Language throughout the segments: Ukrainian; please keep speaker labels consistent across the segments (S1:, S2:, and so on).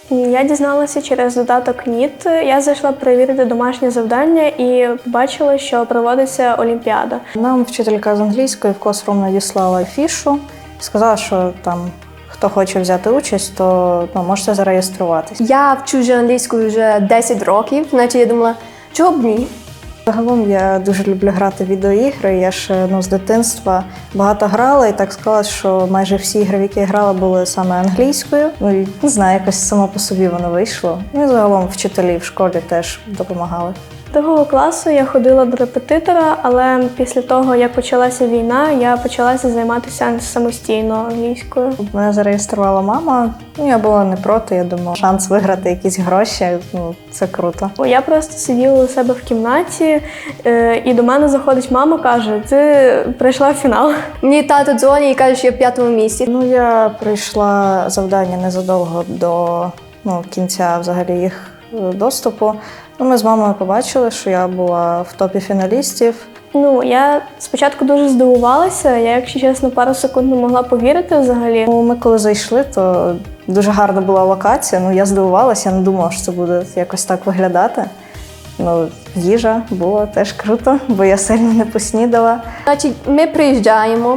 S1: Я дізналася через додаток НІТ. Я зайшла перевірити домашнє завдання і побачила, що проводиться олімпіада.
S2: Нам вчителька з англійської в класрум надіслала афішу, сказала, що там хто хоче взяти участь, то можете зареєструватись.
S3: Я вчу вже англійською вже 10 років, значить я думала, чого б ні?
S2: Загалом я дуже люблю грати в відеоігри. Я ж з дитинства багато грала і так склалось, що майже всі ігри, в які я грала, були саме англійською. І не знаю, якось само по собі воно вийшло. І загалом вчителі в школі теж допомагали.
S1: Другого класу я ходила до репетитора, але після того, як почалася війна, я почалася займатися самостійно англійською.
S2: Мене зареєструвала мама, я була не проти, я думала, шанс виграти якісь гроші, це круто.
S1: Я просто сиділа у себе в кімнаті, і до мене заходить мама, каже, ти прийшла в фінал.
S3: Мені тато дзвонить і каже, що я в 5-му місці.
S2: Я пройшла завдання незадовго до кінця взагалі їх доступу. Ми з мамою побачили, що я була в топі фіналістів.
S1: Я спочатку дуже здивувалася, я, якщо чесно, пару секунд не могла повірити взагалі.
S2: Ми коли зайшли, то дуже гарна була локація. Я здивувалася, я не думала, що це буде якось так виглядати. Їжа була теж круто, бо я сильно не поснідала.
S3: Значить, ми приїжджаємо.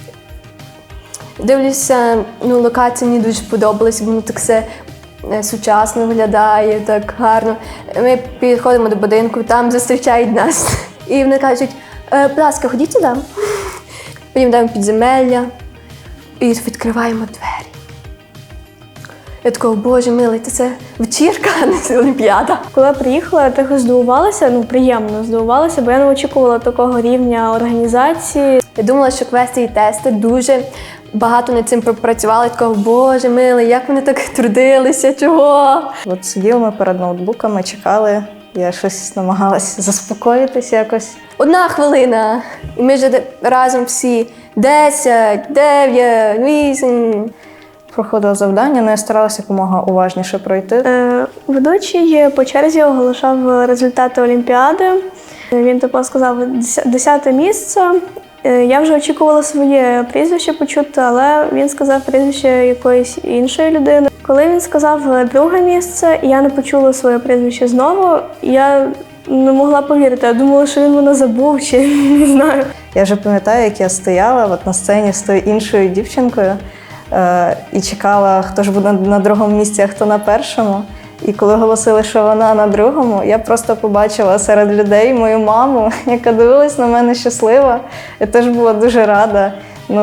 S3: Дивлюся, локація мені дуже сподобалась, воно так все сучасно виглядає, так гарно. Ми підходимо до будинку, там зустрічають нас. І вони кажуть, будь ласка, ходіть туди. Потім йдемо в підземелля і відкриваємо двері. Я така, боже милий, це вечірка, а не олімпіада.
S1: Коли я приїхала, я трохи здивувалася, приємно здивувалася, бо я не очікувала такого рівня організації.
S3: Я думала, що квести і тести дуже багато над цим пропрацювали. Такого, боже милий, як вони так трудилися, чого?
S2: Сиділи ми перед ноутбуками, чекали. Я щось намагалася заспокоїтися якось.
S3: 1 хвилина. І ми вже разом всі 10, 9, 8.
S2: Проходила завдання, я старалася якомога уважніше пройти.
S1: Ведучий по черзі оголошав результати олімпіади. Він сказав 10-те місце. Я вже очікувала своє прізвище почути, але він сказав прізвище якоїсь іншої людини. Коли він сказав 2-ге місце, я не почула своє прізвище знову, я не могла повірити. Я думала, що він мене забув, чи не знаю.
S2: Я вже пам'ятаю, як я стояла на сцені з тою іншою дівчинкою і чекала, хто ж буде на 2-му місці, а хто на 1-му. І коли оголосили, що вона на 2-му, я просто побачила серед людей мою маму, яка дивилась на мене щаслива. Я теж була дуже рада.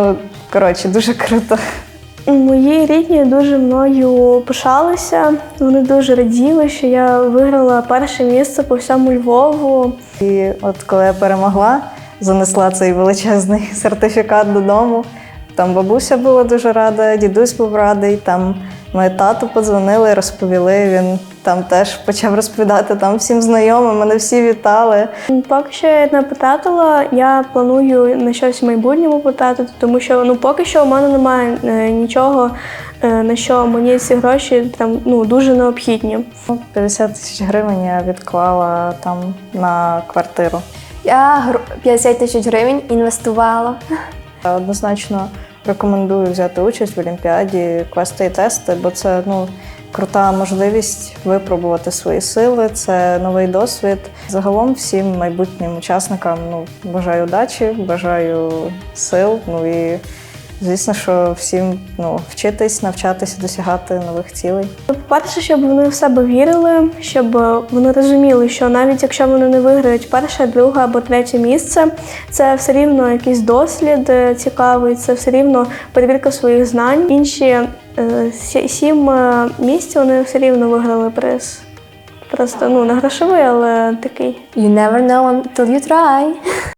S2: Дуже круто.
S1: Мої рідні дуже мною пишалися. Вони дуже раділи, що я виграла 1-ше місце по всьому Львову.
S2: І коли я перемогла, занесла цей величезний сертифікат додому. Там бабуся була дуже рада, дідусь був радий, там мої тату подзвонили, розповіли, він там теж почав розповідати всім знайомим, мене всі вітали.
S1: Поки що я не потратила, я планую на щось в майбутньому потратити, тому що поки що у мене немає нічого, на що мені ці гроші дуже необхідні.
S2: 50 тисяч гривень я відклала на квартиру.
S3: Я 50 тисяч гривень інвестувала.
S2: Однозначно рекомендую взяти участь в олімпіаді, квести і тести, бо це крута можливість випробувати свої сили, це новий досвід. Загалом всім майбутнім учасникам бажаю удачі, бажаю сил, і звісно, що всім вчитись, навчатися, досягати нових цілей.
S1: По-перше, щоб вони в себе вірили, щоб вони розуміли, що навіть якщо вони не виграють 1-е, 2-е або 3-е місце, це все рівно якийсь дослід цікавий, це все рівно перевірка своїх знань. Інші 7 місць вони все рівно виграли приз. Просто не грошовий, але такий.
S3: You never know until you try.